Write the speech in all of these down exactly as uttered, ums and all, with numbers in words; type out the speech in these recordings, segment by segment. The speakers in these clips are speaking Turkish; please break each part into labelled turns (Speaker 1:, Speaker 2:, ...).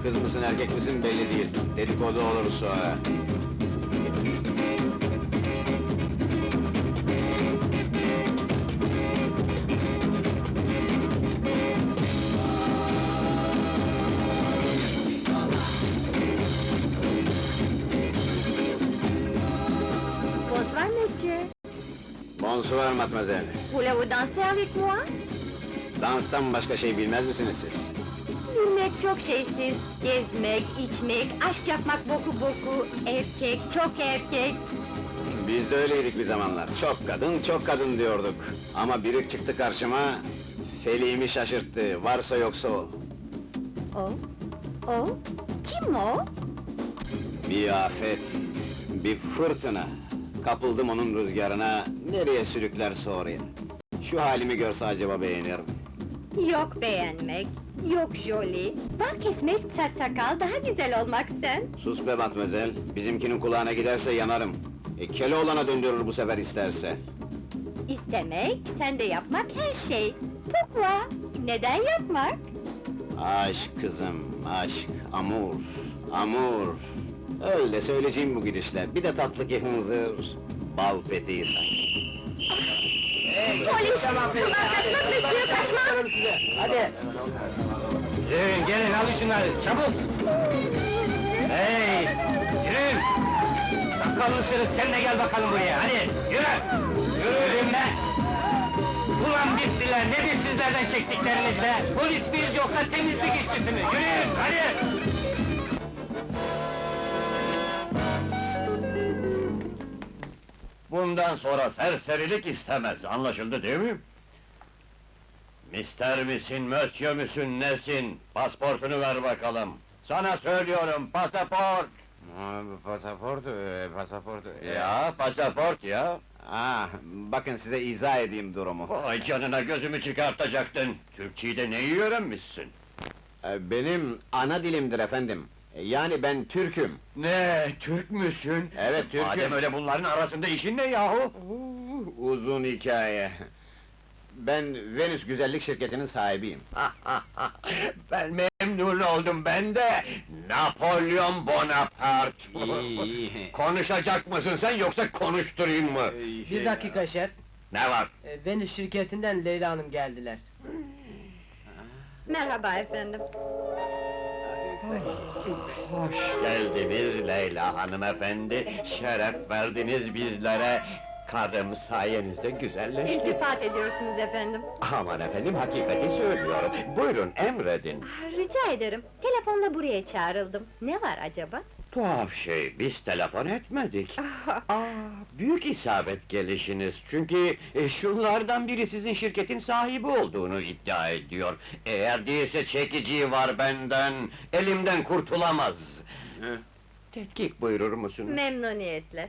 Speaker 1: kız mısın erkek misin belli değil. Dedikodu olur sonra.
Speaker 2: Bonsoir, monsieur.
Speaker 1: Bonsoir mademoiselle.
Speaker 2: Voulez-vous danser avec moi?
Speaker 1: Danstan başka şey bilmez misiniz siz?
Speaker 2: Bilmek çok şeysiz. Gezmek, içmek, aşk yapmak boku boku. Erkek, çok erkek.
Speaker 1: Biz de öyleydik bir zamanlar. Çok kadın, çok kadın diyorduk. Ama biri çıktı karşıma, feliğimi şaşırttı. Varsa yoksa o.
Speaker 2: O? O? Kim o?
Speaker 1: Bir afet, bir fırtına. Kapıldım onun rüzgarına, nereye sürüklerse oraya. Şu halimi görse acaba beğenir mi?
Speaker 2: Yok beğenmek, yok joli. Bal kesmek, saç sakal, daha güzel olmak sen.
Speaker 1: Sus be matmazel, bizimkinin kulağına giderse yanarım. E, Keloğlan'a döndürür bu sefer isterse.
Speaker 2: İstemek, sen de yapmak her şey. Pourquoi? Neden yapmak?
Speaker 1: Aşk kızım, aşk, amur, amur. Öyle söyleyeceğim bu gidişle, bir de tatlı ki hınzır, bal peteği sanki.
Speaker 2: Polis! Kaçmak monsieur, kaçmak!
Speaker 3: Hadi! Yürüyün, gelin, alın şunları, çabuk! Hey! Yürüyün! Sakallı sırık, sen de gel bakalım buraya, hadi! Yürü! Yürüyün be! Ulan bittiler, nedir sizlerden çektikleriniz be? Polis miyiz yoksa temizlik işçisi mi? Yürüyün, hadi! Bundan sonra serserilik istemez, anlaşıldı değil mi? Mister misin, mösyö müsün, nesin? Pasportunu ver bakalım! Sana söylüyorum, pasaport!
Speaker 1: Pasaport, e, pasaport... e,
Speaker 3: Ya, pasaport ya!
Speaker 1: Ah, bakın size izah edeyim durumu.
Speaker 3: Vay canına, gözümü çıkartacaktın! Türkçeyi de neyi öğrenmişsin?
Speaker 1: E, Benim ana dilimdir efendim. E, Yani ben Türk'üm.
Speaker 3: Ne, Türk müsün?
Speaker 1: Evet, Türk'üm.
Speaker 3: Madem öyle bunların arasında işin ne yahu?
Speaker 1: Uh, Uzun hikaye. Ben Venüs Güzellik Şirketi'nin sahibiyim.
Speaker 3: Ben memnun oldum, ben de! Napolyon Bonaparte!
Speaker 1: İyi, iyi.
Speaker 3: Konuşacak mısın sen, yoksa konuşturayım mı?
Speaker 4: Bir dakika şef,
Speaker 3: Ne var?
Speaker 4: e, Venüs şirketinden Leyla Hanım geldiler.
Speaker 2: Merhaba efendim.
Speaker 3: Hoş geldiniz Leyla hanımefendi, şeref verdiniz bizlere. Karım sayenizde güzelleşti.
Speaker 2: İltifat ediyorsunuz efendim.
Speaker 3: Aman efendim, hakikati söylüyorum. Buyurun, emredin.
Speaker 2: Ah, rica ederim, telefonla buraya çağrıldım. Ne var acaba?
Speaker 3: Tuhaf şey, biz telefon etmedik. Aa, büyük isabet gelişiniz, çünkü e, şunlardan biri sizin şirketin sahibi olduğunu iddia ediyor. Eğer değilse çekiciyi var benden, elimden kurtulamaz.
Speaker 1: Hı.
Speaker 3: Tetkik buyurur musun?
Speaker 2: Memnuniyetle.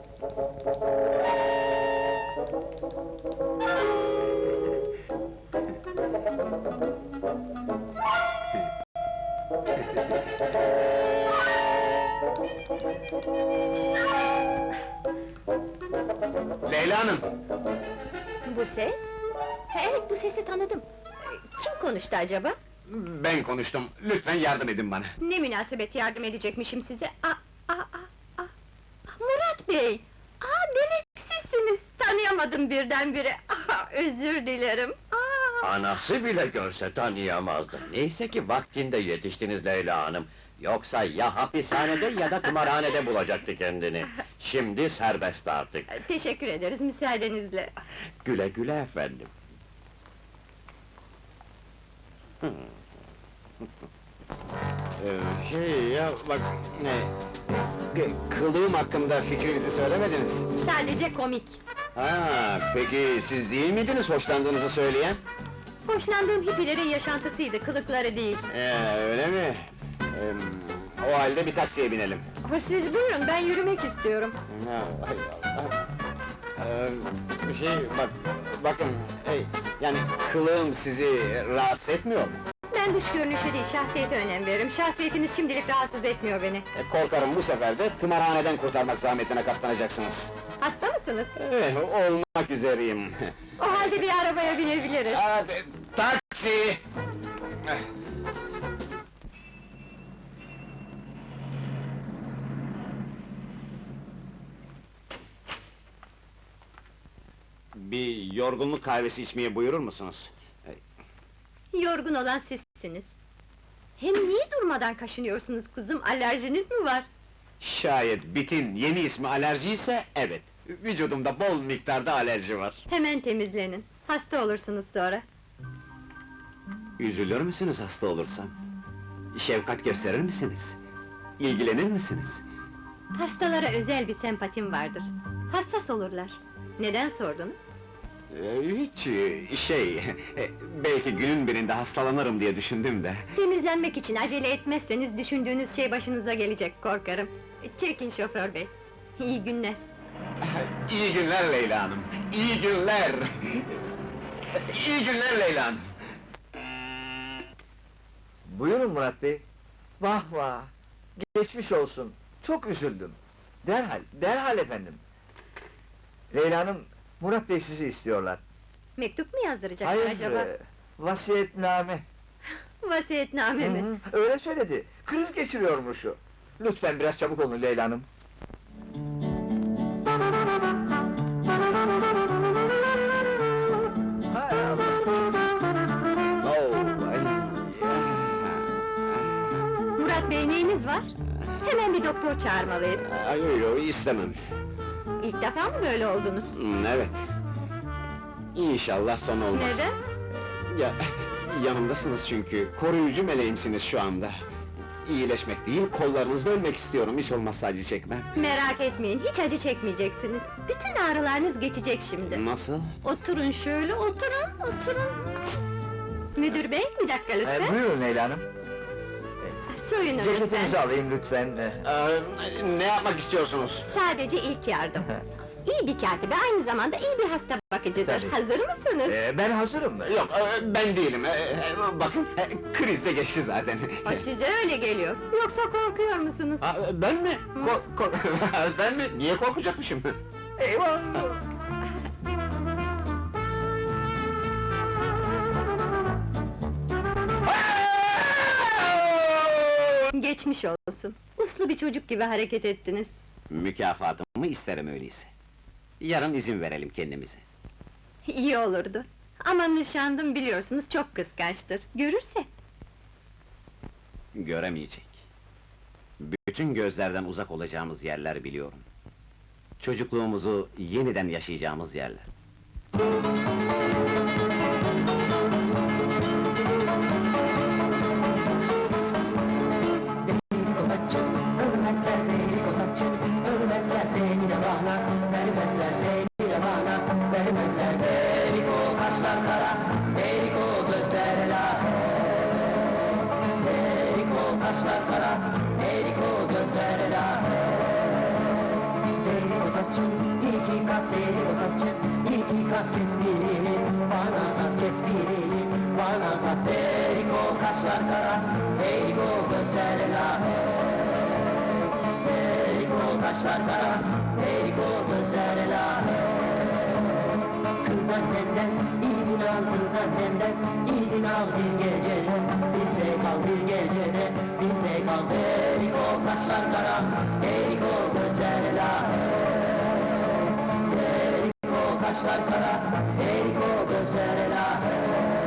Speaker 1: Leyla Hanım!
Speaker 2: Bu ses? Ha, evet, bu sesi tanıdım. Kim konuştu acaba?
Speaker 1: Ben konuştum, lütfen yardım edin bana.
Speaker 2: Ne münasebet yardım edecekmişim size? Aa, aa, aa, aa! Murat Bey! Aa, demek sizsiniz! Tanıyamadım birdenbire! Aa, özür dilerim! Aa!
Speaker 3: Anası bile görse tanıyamazdı. Neyse ki vaktinde yetiştiniz Leyla hanım. Yoksa ya hapishanede ya da tımarhanede bulacaktı kendini. Şimdi serbest artık.
Speaker 2: Teşekkür ederiz, müsaadenizle.
Speaker 3: Güle güle efendim.
Speaker 1: Ee, şey ya, bak, ne... k- Kılığım hakkında fikrinizi söylemediniz.
Speaker 2: Sadece komik.
Speaker 1: Ha, peki siz değil miydiniz hoşlandığınızı söyleyen?
Speaker 2: Hoşlandığım hippilerin yaşantısıydı, kılıkları değil.
Speaker 1: Ee, öyle mi? Ee, o halde bir taksiye binelim.
Speaker 2: Ha, siz buyurun, ben yürümek istiyorum.
Speaker 1: Ha, hay Allah! Ee, bir şey, bak, bakın, hey, yani kılığım sizi rahatsız etmiyor mu?
Speaker 2: Ben dış görünüşe değil, şahsiyete önem veririm. Şahsiyetiniz şimdilik rahatsız etmiyor beni.
Speaker 1: E, korkarım bu sefer de tımarhaneden kurtarmak zahmetine katlanacaksınız.
Speaker 2: Hasta mısınız?
Speaker 1: Eh, olmak üzereyim.
Speaker 2: O halde bir arabaya binebiliriz.
Speaker 1: Hadi, taksi! yorgunluk kahvesi içmeye buyurur musunuz?
Speaker 2: Yorgun olan sizsiniz. Hem niye durmadan kaşınıyorsunuz kuzum, alerjiniz mi var?
Speaker 1: Şayet bitin yeni ismi alerji ise evet. Vücudumda bol miktarda alerji var.
Speaker 2: Hemen temizlenin, hasta olursunuz sonra.
Speaker 1: Üzülür müsünüz hasta olursam? Şefkat gösterir misiniz? İlgilenir misiniz?
Speaker 2: Hastalara özel bir sempatim vardır. Hassas olurlar. Neden sordunuz?
Speaker 1: Ee, hiç e, şey, e, belki günün birinde hastalanırım diye düşündüm de.
Speaker 2: Temizlenmek için acele etmezseniz düşündüğünüz şey başınıza gelecek korkarım. Çekin şoför bey. İyi günler.
Speaker 1: İyi günler Leyla Hanım, iyi günler! İyi günler Leyla Hanım!
Speaker 5: Buyurun Murat Bey. Vah vah! Geçmiş olsun, çok üzüldüm. Derhal, derhal efendim. Leyla Hanım, Murat Bey sizi istiyorlar.
Speaker 2: Mektup mu yazdıracaklar
Speaker 5: Hayır,
Speaker 2: acaba?
Speaker 5: e, vasiyetname.
Speaker 2: Vasiyetname mi?
Speaker 5: Hı hı, öyle söyledi, kriz geçiriyormuş o. Lütfen biraz çabuk olun Leyla Hanım. Hay Allah!
Speaker 1: Oh, ay,
Speaker 2: Murat bey neyiniz var? Hemen bir doktor çağırmalıyız.
Speaker 1: ay, yo, yo, istemem.
Speaker 2: İlk defa mı böyle oldunuz?
Speaker 1: Hmm, evet. İnşallah son olmaz.
Speaker 2: Neden?
Speaker 1: Ya, yanımdasınız çünkü, koruyucu meleğimsiniz şu anda. İyileşmek değil, kollarınızda ölmek istiyorum, hiç olmazsa acı çekmem.
Speaker 2: Merak etmeyin, hiç acı çekmeyeceksiniz. Bütün ağrılarınız geçecek şimdi.
Speaker 1: Nasıl?
Speaker 2: Oturun şöyle, oturun, oturun. Müdür bey, bir dakika
Speaker 5: E,
Speaker 2: lütfen.
Speaker 5: buyurun Leyla Hanım.
Speaker 2: Soyunun lütfen.
Speaker 5: Ceketinizi alayım lütfen. E,
Speaker 1: Ee, ne yapmak istiyorsunuz?
Speaker 2: Sadece ilk yardım. İyi bir katibe, aynı zamanda iyi bir hasta bakıcıdır.
Speaker 5: Tabii.
Speaker 2: Hazır mısınız?
Speaker 5: e, ben hazırım.
Speaker 1: Yok, e, ben değilim. E, e, bakın, e, kriz de geçti zaten.
Speaker 2: O size öyle geliyor. Yoksa korkuyor musunuz?
Speaker 1: Aa, ben mi? Ko- ko- ben mi? Niye korkacakmışım?
Speaker 5: Eyvah!
Speaker 2: Geçmiş olsun. Uslu bir çocuk gibi hareket ettiniz.
Speaker 1: Mükafatımı isterim öyleyse. Yarın izin verelim kendimize.
Speaker 2: İyi olurdu. Ama nişanlım biliyorsunuz çok kıskançtır. Görürse.
Speaker 1: Göremeyecek. Bütün gözlerden uzak olacağımız yerler biliyorum. Çocukluğumuzu yeniden yaşayacağımız yerler.
Speaker 6: Ölmezler beni kozakçı, ölmezler seni de bana, vermezler seni de bana, vermezler beni o kaşlar kara, beni o gözler elahe. Beni o kaşlar kara, beni o gözler elahe. Deli kozakçı, iki kat deli kozakçı, iki kat kes birini, bana sat kes birini, bana sat. Beni o kaşlar kara, beni o gözler elahe. Kaşlar kara, eriko gözler elahe. Kız annenden, izin al kız annenden, izin al bir gecede, bizde kal bir gecede, bizde kal. Eriko kaşlar kara, eriko gözler elahe. Eriko kaşlar kara, eriko gözler elahe.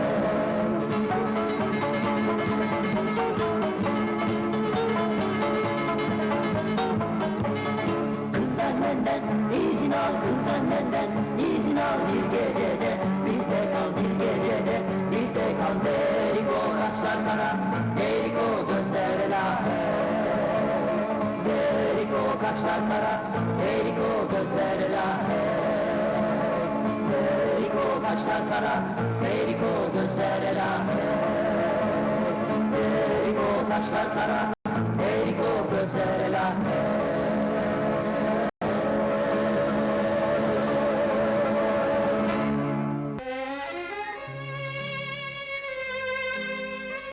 Speaker 6: Annenden, izin al kız annenden, izin al bir gecede, bizde kal bir gecede, bizde kal. Deriko kaşlar kara, deriko gözler elahe. Deriko kaşlar kara, deriko gözler elahe. Deriko kaşlar kara, deriko gözler elahe. Deriko kaşlar kara,